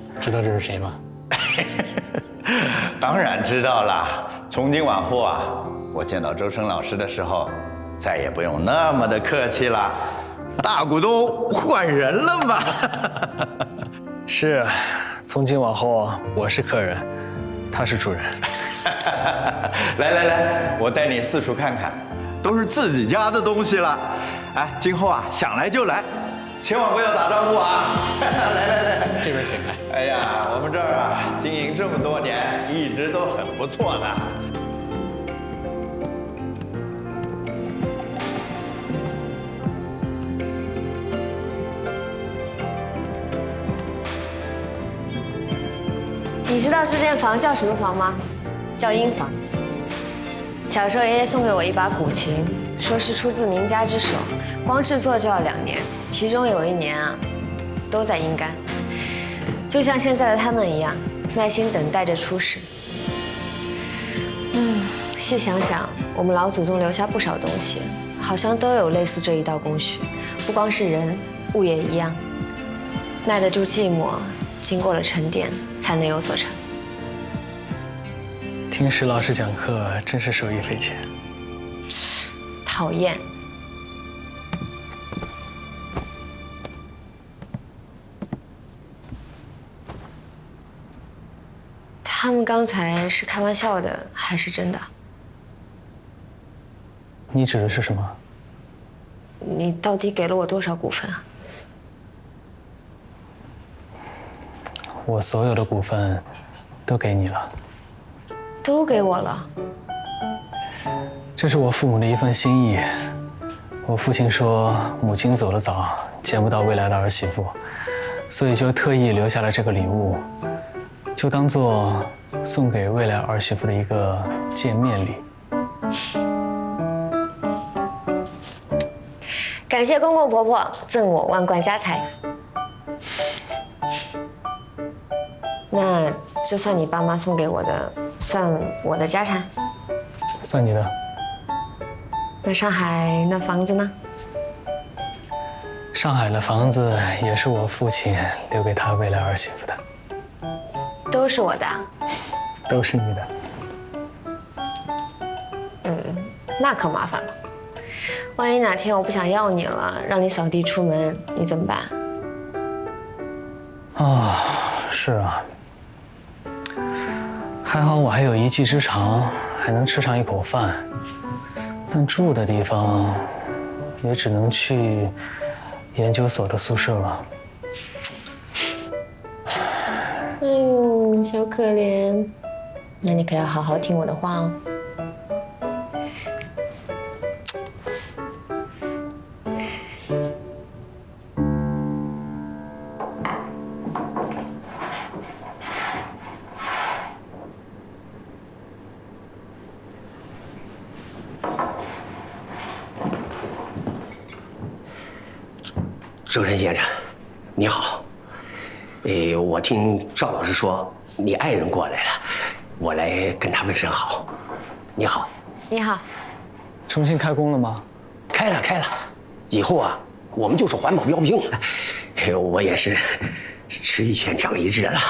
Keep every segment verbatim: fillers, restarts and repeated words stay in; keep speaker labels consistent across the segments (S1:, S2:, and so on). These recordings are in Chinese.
S1: 知道这是谁吗？
S2: 当然知道了。从今往后啊，我见到周深老师的时候，再也不用那么的客气了。大股东换人了嘛？
S3: 是，从今往后我是客人，他是主人。
S2: 来来来，我带你四处看看，都是自己家的东西了。哎，今后啊，想来就来，千万不要打招呼啊！来来来，
S1: 这边请来。
S2: 哎呀，我们这儿啊，经营这么多年，一直都很不错的。
S4: 你知道这间房叫什么房吗？叫婴房。小时候爷爷送给我一把古琴，说是出自名家之手，光制作就要两年，其中有一年啊，都在阴干，就像现在的他们一样，耐心等待着出世。嗯，细想想，我们老祖宗留下不少东西，好像都有类似这一道工序，不光是人，物也一样，耐得住寂寞，经过了沉淀，才能有所成。
S3: 听石老师讲课真是受益匪浅。
S4: 讨厌。他们刚才是开玩笑的，还是真的？
S3: 你指的是什么？
S4: 你到底给了我多少股份啊？
S3: 我所有的股份都给你了。
S4: 都给我了。
S3: 这是我父母的一份心意。我父亲说，母亲走得早，见不到未来的儿媳妇，所以就特意留下了这个礼物，就当做送给未来儿媳妇的一个见面礼。
S4: 感谢公公婆婆赠我万贯家财。那这算你爸妈送给我的，算我的家产？
S3: 算你的。
S4: 那上海那房子呢？
S3: 上海的房子也是我父亲留给他未来儿媳妇的。
S4: 都是我的。
S3: 都是你的。
S4: 嗯，那可麻烦了。万一哪天我不想要你了，让你扫地出门，你怎么办？
S3: 啊，是啊。还好我还有一技之长，还能吃上一口饭，但住的地方也只能去研究所的宿舍了。
S4: 哎呦，小可怜，那你可要好好听我的话哦。
S5: 周深先生，你好。呃，我听赵老师说你爱人过来了，我来跟他问声好。你好。
S4: 你好。
S3: 重新开工了吗？
S5: 开了，开了。以后啊，我们就是环保标兵了。我也是吃一堑长一智了。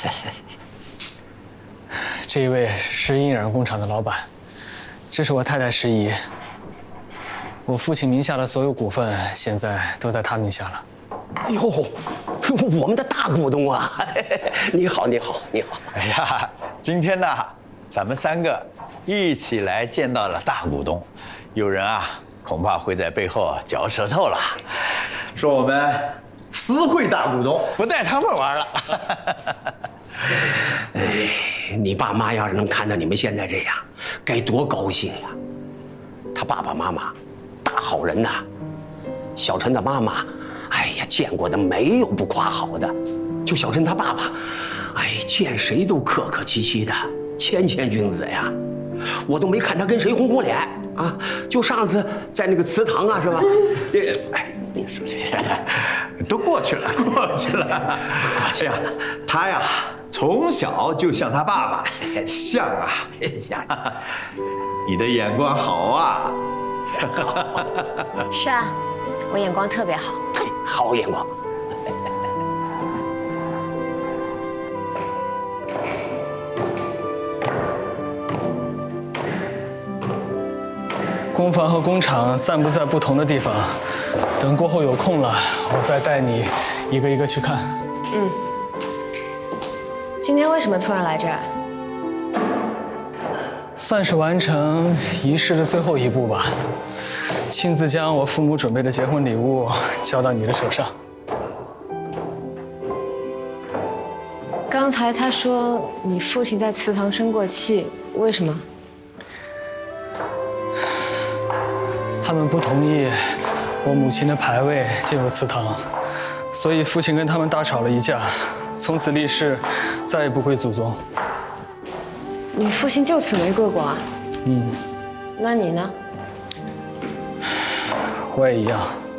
S3: 这一位是印染工厂的老板，这是我太太石姨。我父亲名下的所有股份现在都在他名下了。
S5: 哎呦，我们的大股东啊！你好，你好，你好。
S2: 哎呀，今天呢，咱们三个一起来见到了大股东，有人啊恐怕会在背后嚼舌头了，说我们私会大股东，不带他们玩了。
S5: 哎，你爸妈要是能看到你们现在这样，该多高兴呀！他爸爸妈妈大好人呐，小陈的妈妈，哎呀，见过的没有不夸好的。就小陈他爸爸，哎，见谁都客客气气的，谦谦君子呀。我都没看他跟谁红过脸啊。就上次在那个祠堂啊，是吧？这，哎，你说这
S2: 都过去了，过去了，过去了。他呀，从小就像他爸爸，像啊，
S5: 像。
S2: 你的眼光好啊。
S4: 是啊，我眼光特别好。
S5: 好眼光。
S3: 工房和工厂散布在不同的地方，等过后有空了，我再带你一个一个去看。
S4: 嗯。今天为什么突然来这儿？
S3: 算是完成仪式的最后一步吧，亲自将我父母准备的结婚礼物交到你的手上。
S4: 刚才他说你父亲在祠堂生过气，为什么？
S3: 他们不同意我母亲的牌位进入祠堂，所以父亲跟他们大吵了一架，从此立誓再也不归祖宗。
S4: 你父亲就此没跪过啊？
S3: 嗯。
S4: 那你呢？
S3: 我也一样。